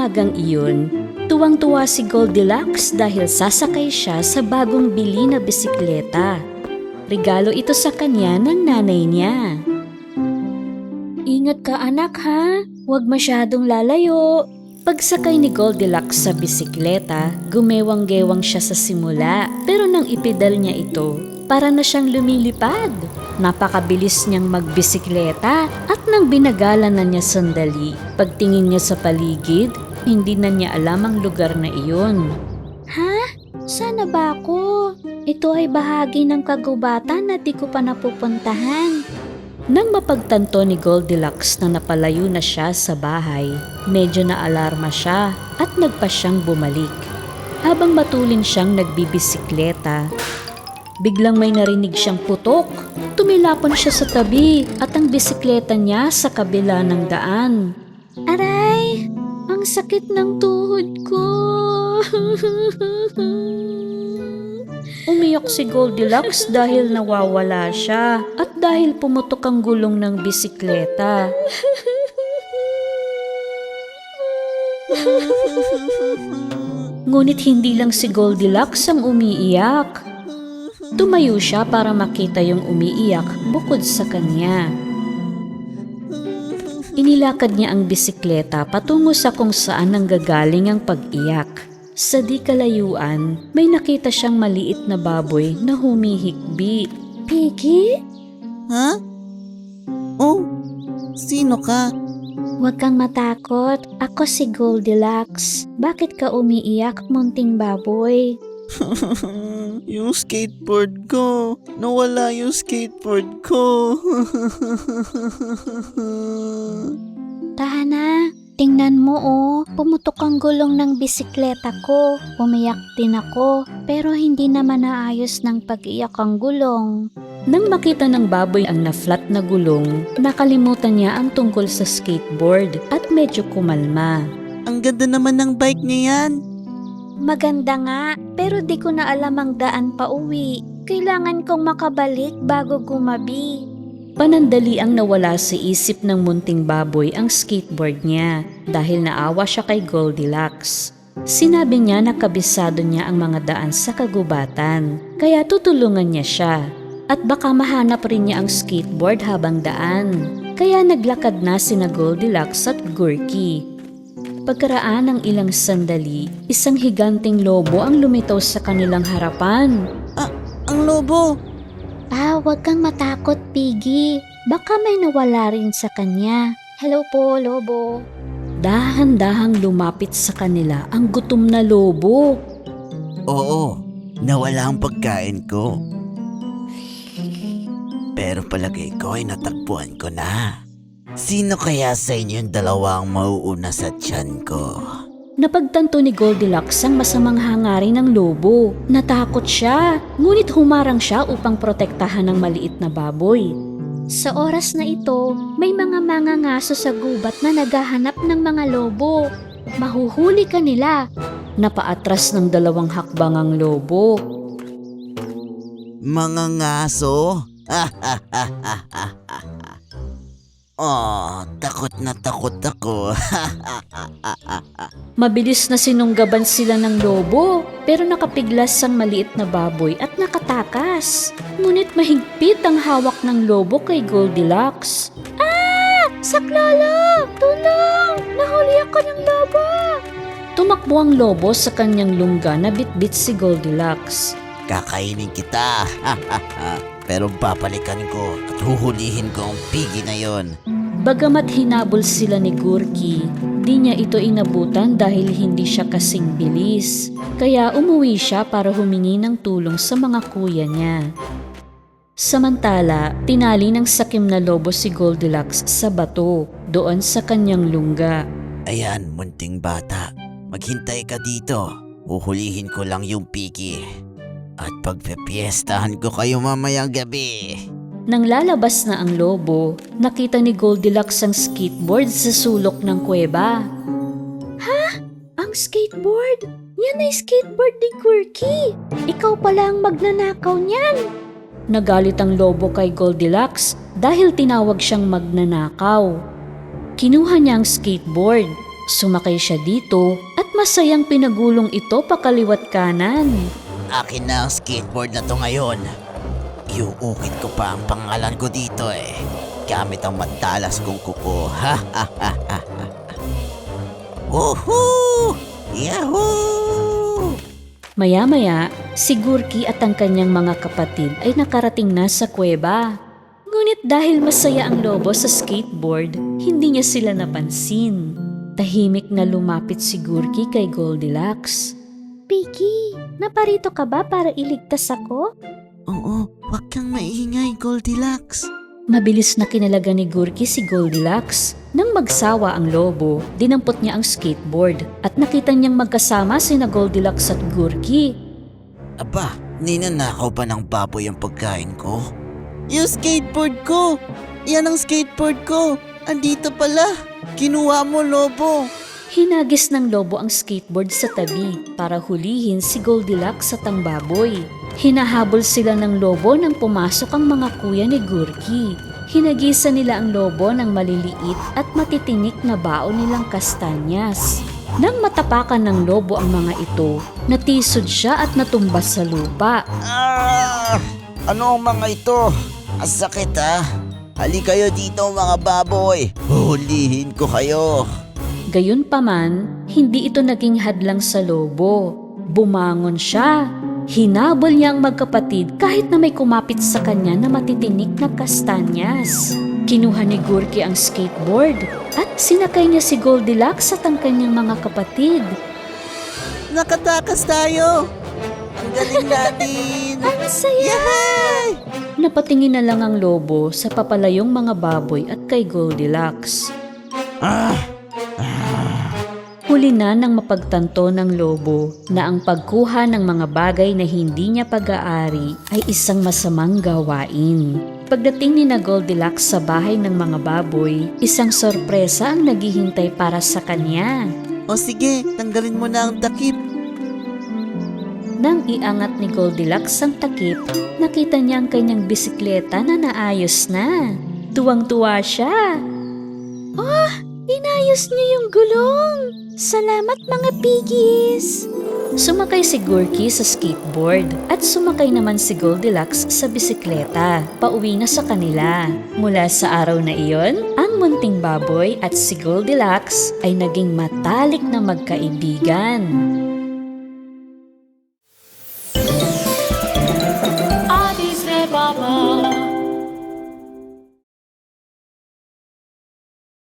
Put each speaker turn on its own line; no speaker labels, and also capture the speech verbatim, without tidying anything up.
umagang iyon, tuwang-tuwa si Goldilocks dahil sasakay siya sa bagong bili na bisikleta. Regalo ito sa kanya ng nanay niya. Ingat ka anak ha, huwag masyadong lalayo. Pagsakay ni Goldilocks sa bisikleta, gumewang-gewang siya sa simula pero nang ipedal niya ito, para na siyang lumilipad. Napakabilis niyang magbisikleta at nang binagalan na niya sandali, pagtingin niya sa paligid, hindi na niya alam ang lugar na iyon. Ha? Sana ba ako? Ito ay bahagi ng kagubatan na di ko pa napupuntahan. Nang mapagtanto ni Goldilocks na napalayo na siya sa bahay, medyo naalarma siya at nagpa siyang bumalik. Habang matulin siyang nagbibisikleta, biglang may narinig siyang putok. Tumilapon siya sa tabi at ang bisikleta niya sa kabila ng daan. Aray! Ang sakit ng tuhod ko! Umiyak si Goldilocks dahil nawawala siya at dahil pumutok ang gulong ng bisikleta. Ngunit hindi lang si Goldilocks ang umiiyak. Tumayo siya para makita yung umiiyak bukod sa kanya. Inilakad niya ang bisikleta patungo sa kung saan nanggagaling ang pag-iyak. Sa di kalayuan, may nakita siyang maliit na baboy na humihikbi. Piggy?
Ha? Oh, sino ka?
Huwag kang matakot. Ako si Goldilocks. Bakit ka umiiyak, munting baboy?
Yung skateboard ko. Nawala yung skateboard ko.
Tahana, tingnan mo oh. Pumutok ang gulong ng bisikleta ko. Umiyak din ako, pero hindi naman naayos ng pag-iyak ang gulong. Nang makita ng baboy ang na-flat na gulong, nakalimutan niya ang tungkol sa skateboard at medyo kumalma.
Ang ganda naman ng bike niya yan.
Maganda nga, pero di ko na alam ang daan pa uwi. Kailangan kong makabalik bago gumabi. Panandali ang nawala sa isip ng munting baboy ang skateboard niya dahil naawa siya kay Goldilocks. Sinabi niya na kabisado niya ang mga daan sa kagubatan, kaya tutulungan niya siya. At baka mahanap rin niya ang skateboard habang daan. Kaya naglakad na sina Goldilocks at Gurky. Pagkaraan ng ilang sandali, isang higanting lobo ang lumitaw sa kanilang harapan.
Ah, ang lobo!
Ah, huwag kang matakot, Piggy. Baka may nawala rin sa kanya. Hello po, lobo. Dahan-dahang lumapit sa kanila ang gutom na lobo.
Oo, nawala ang pagkain ko. Pero palagay ko ay natagpuan ko na. Sino kaya sa inyong dalawang mauuna sa tiyan ko?
Napagtanto ni Goldilocks ang masamang hangarin ng lobo. Natakot siya, ngunit humarang siya upang protektahan ng maliit na baboy. Sa oras na ito, may mga mangangaso sa gubat na naghahanap ng mga lobo. Mahuhuli ka nila. Napaatras ng dalawang hakbang ang lobo.
Mga ngaso? Oh, takot na takot ako.
Mabilis na sinunggaban sila ng lobo, pero nakapiglas ang maliit na baboy at nakatakas. Ngunit mahigpit ang hawak ng lobo kay Goldilocks. Ah! Saklolo! Tulong! Nahuli ako ng lobo! Tumakbo ang lobo sa kanyang lungga na bitbit si Goldilocks.
Kakainin kita. Pero babalikan ko at huhulihin ko ang pigi na yon.
Bagamat hinabol sila ni Gurky, di niya ito inabutan dahil hindi siya kasing bilis. Kaya umuwi siya para humingi ng tulong sa mga kuya niya. Samantala, tinali ng sakim na lobo si Goldilocks sa bato doon sa kanyang lungga.
Ayan, munting bata. Maghintay ka dito. Huhulihin ko lang yung pigi. At pagpepiestahan ko kayo mamayang gabi.
Nang lalabas na ang lobo, nakita ni Goldilocks ang skateboard sa sulok ng kuweba. Ha? Ang skateboard? Yan ay skateboard ni Gurky. Ikaw pala ang magnanakaw niyan. Nagalit ang lobo kay Goldilocks dahil tinawag siyang magnanakaw. Kinuha niya ang skateboard Sumakay siya dito at masayang pinagulong ito pakaliwat kanan.
Akin na ang skateboard na to ngayon. Iuukit ko pa ang pangalan ko dito eh. Gamit ang matalas kong kuko. Ha ha ha ha ha. Woohoo! Yahoo!
Maya-maya, si Gurky at ang kanyang mga kapatid ay nakarating na sa kuweba. Ngunit dahil masaya ang lobo sa skateboard, hindi niya sila napansin. Tahimik na lumapit si Gurky kay Goldilocks. Piggy, naparito ka ba para iligtas ako?
Oo, wag kang maingay, Goldilocks.
Mabilis na kinalaga ni Gurky si Goldilocks. Nang magsawa ang lobo, dinampot niya ang skateboard at nakita niyang magkasama sina Goldilocks at Gurky.
Aba, ninanakaw pa ng baboy ang pagkain ko? Yung skateboard ko! Yan ang skateboard ko! Andito pala! Kinuha mo, lobo!
Hinagis ng lobo ang skateboard sa tabi para hulihin si Goldilocks at ang baboy. Hinahabol sila ng lobo nang pumasok ang mga kuya ni Gurky. Hinagisa nila ang lobo ng maliliit at matitinik na baon nilang kastanyas. Nang matapakan ng lobo ang mga ito, natisod siya at natumbas sa lupa.
Ah! Ano ang mga ito? Ang sakit ha? Hali kayo dito mga baboy! Huhulihin ko kayo!
Gayunpaman, hindi ito naging hadlang sa lobo. Bumangon siya. Hinabol niya ang magkapatid kahit na may kumapit sa kanya na matitinik na kastanyas. Kinuha ni Gurky ang skateboard at sinakay niya si Goldilocks at ang kanyang mga kapatid.
Nakatakas tayo! Ang galing natin!
Ang saya!
Yay!
Napatingin na lang ang lobo sa papalayong mga baboy at kay Goldilocks.
Ah!
Huli na nang mapagtanto ng lobo na ang pagkuha ng mga bagay na hindi niya pag-aari ay isang masamang gawain. Pagdating ni na Goldilocks sa bahay ng mga baboy, isang sorpresa ang naghihintay para sa kanya.
O sige, tanggalin mo na ang takip.
Nang iangat ni Goldilocks ang takip, nakita niya ang kanyang bisikleta na naayos na. Tuwang-tuwa siya. Oh, inayos niyo yung gulong! Salamat mga piggies! Sumakay si Gurky sa skateboard at sumakay naman si Goldilocks sa bisikleta. Pauwi na sa kanila. Mula sa araw na iyon, ang munting baboy at si Goldilocks ay naging matalik na magkaibigan.